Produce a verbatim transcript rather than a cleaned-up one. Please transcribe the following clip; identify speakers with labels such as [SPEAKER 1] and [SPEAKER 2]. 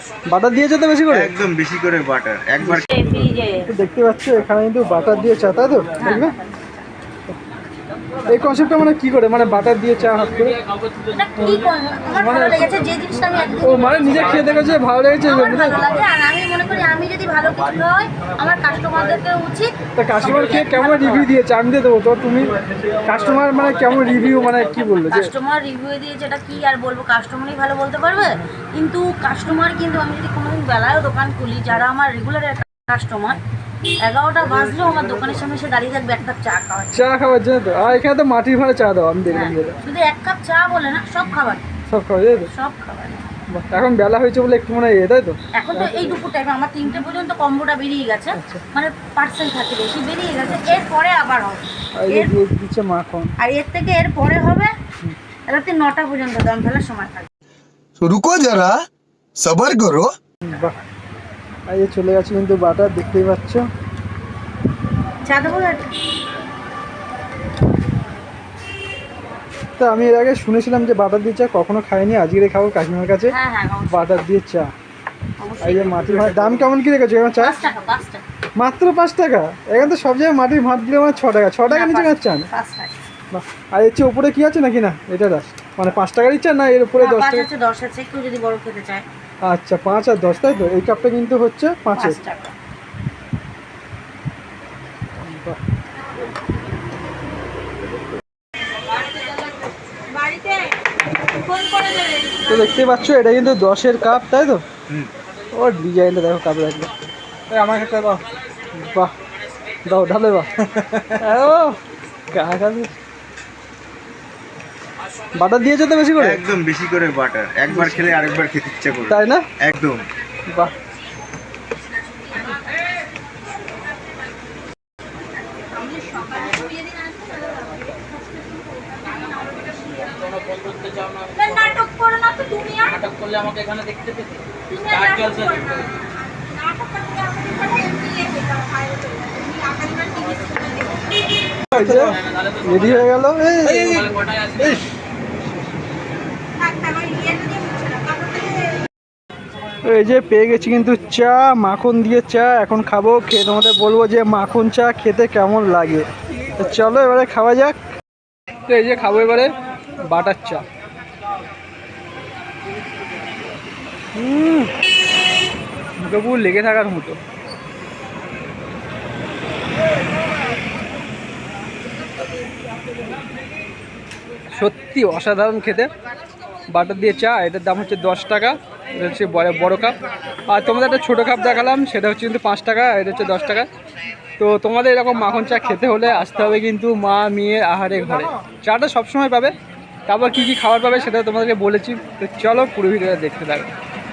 [SPEAKER 1] Butter দিয়েছে তো বেশি করে?
[SPEAKER 2] একদম বেশি করে বাটার একবার
[SPEAKER 1] দেখতে পাচ্ছ এখানে কিন্তু বাটার দিয়ে চা, তাই তো? দেখবে এই কনসেপ্টটা মানে কি করে, মানে বাটার দিয়ে চা হাত করে মানে ও মানে নিজে খেয়ে দেখেছে ভালো লেগেছে এই জন্য।
[SPEAKER 3] আমি মনে করি আমি যদি ভালো কিছু হয় আমার কাস্টমারদেরকে উচিত।
[SPEAKER 1] তা কাস্টমার খেয়ে কেমন রিভিউ দিয়েছে আমি দিয়ে দেবো তো, তুমি কাস্টমার মানে কেমন রিভিউ মানে কি বললো?
[SPEAKER 3] কাস্টমার রিভিউ দিয়েছে এটা কি আর বলবো, কাস্টমারই ভালো বলতে পারবে। কিন্তু কাস্টমার কিন্তু আমি যদি কোনোদিন বেলায়ও দোকান খুলি, যারা আমার রেগুলার কাস্টমার এগারোটা বাজলেও আমার দোকানের সামনে এসে দাঁড়িয়ে থাকবে এক কাপ চা খাওয়ার
[SPEAKER 1] চা খাওয়ার জন্য তো। আর এখানে তো মাটির ভাড়া চা দাও আমি দেখলাম।
[SPEAKER 3] শুধু এক কাপ চা বলে না, সব খাবার
[SPEAKER 1] সব খাওয়া যায় তো?
[SPEAKER 3] সব খাবার।
[SPEAKER 1] এখন বেলা হয়েছে বলে একটু মনে হয় তাই তো?
[SPEAKER 3] এখন তো এই দুপুর টাইমে আমার তিনটে পর্যন্ত কম্বোটা বেরিয়ে গেছে, মানে পার্সেল থাকে বেশি বেরিয়ে গেছে। এরপরে আবার হবে
[SPEAKER 1] দিচ্ছে মাখন,
[SPEAKER 3] আর এর থেকে এর পরে হবে রাতে নটা পর্যন্ত দম ফেলার সময় থাকবে।
[SPEAKER 4] রুকো যারা সবার করো।
[SPEAKER 1] বাহ, আর এই চলে গেছে কিন্তু বাটার, দেখতেই পাচ্ছ।
[SPEAKER 3] চা দেবো?
[SPEAKER 1] তা আমি এর আগে শুনেছিলাম যে বাটার দিয়ে চা, কখনো খাইনি, আজকে খাবো কাকিমার কাছে বাটার দিয়ে চা। এই যে মাটির ভাত দাম কেমন কি রেখেছো এখানে চা? মাত্র পাঁচ টাকা? এখানে তো সব জায়গায় মাটির ভাত দিলে আমার ছ টাকা, ছ টাকা নিচে খাচ্ছে না। বাহ, আর এর চেয়ে উপরে কি আছে নাকি? না এটা দাস মানে পাঁচ টাকারই চা না এর উপরে দশ টাকা?
[SPEAKER 3] দশ আছে, কেউ যদি বড় খেতে চায়।
[SPEAKER 1] আচ্ছা, পাঁচ আর দশ তাই তো? এই কাপটা কিন্তু হচ্ছে পাঁচের। তো দেখতেই পাচ্ছ এটা কিন্তু দশের কাপ, তাই তো? ও ডিজাইনটা দেখো কাপের একদম। আমার কাছে দাও। বাহ, দাও ঢালে। বাহ, ও বাটার দিয়েছে তো বেশি করে?
[SPEAKER 2] একদম বেশি করে বাটার, একবার খেলে আরেকবার খেতে ইচ্ছা করে,
[SPEAKER 1] তাই না?
[SPEAKER 2] একদম।
[SPEAKER 1] বাহ,
[SPEAKER 3] নাটক করো না তো তুমি,
[SPEAKER 5] নাটক করলে আমাকে এখানে দেখতে পেতে।
[SPEAKER 1] রেডি হয়ে গেল। এই যে পেয়ে গেছি কিন্তু চা, মাখন দিয়ে চা। এখন খাবো, খেয়ে তোমাদের বলবো যে মাখন চা খেতে কেমন লাগে। তো চলো এবারে খাওয়া যাক। তো এই যে খাবো এবারে বাটার চা। হুম, মুখে পুরো লেগে থাকার মতো। সত্যি অসাধারণ খেতে। বাটার দিয়ে চা, এটার দাম হচ্ছে দশ টাকা। এটা হচ্ছে বড় বড়ো কাপ। আর তোমাদের একটা ছোটো কাপ দেখালাম, সেটা হচ্ছে কিন্তু পাঁচ টাকা, এটা হচ্ছে দশ টাকা। তো তোমাদের এরকম মাখন চা খেতে হলে আসতে হবে কিন্তু মা মেয়ের আহারে ঘরে। চাটা সবসময় পাবে, তারপর কী কী খাবার পাবে সেটা তোমাদেরকে বলেছি। তো চলো পুরো ভিডিওটা দেখতে থাকো।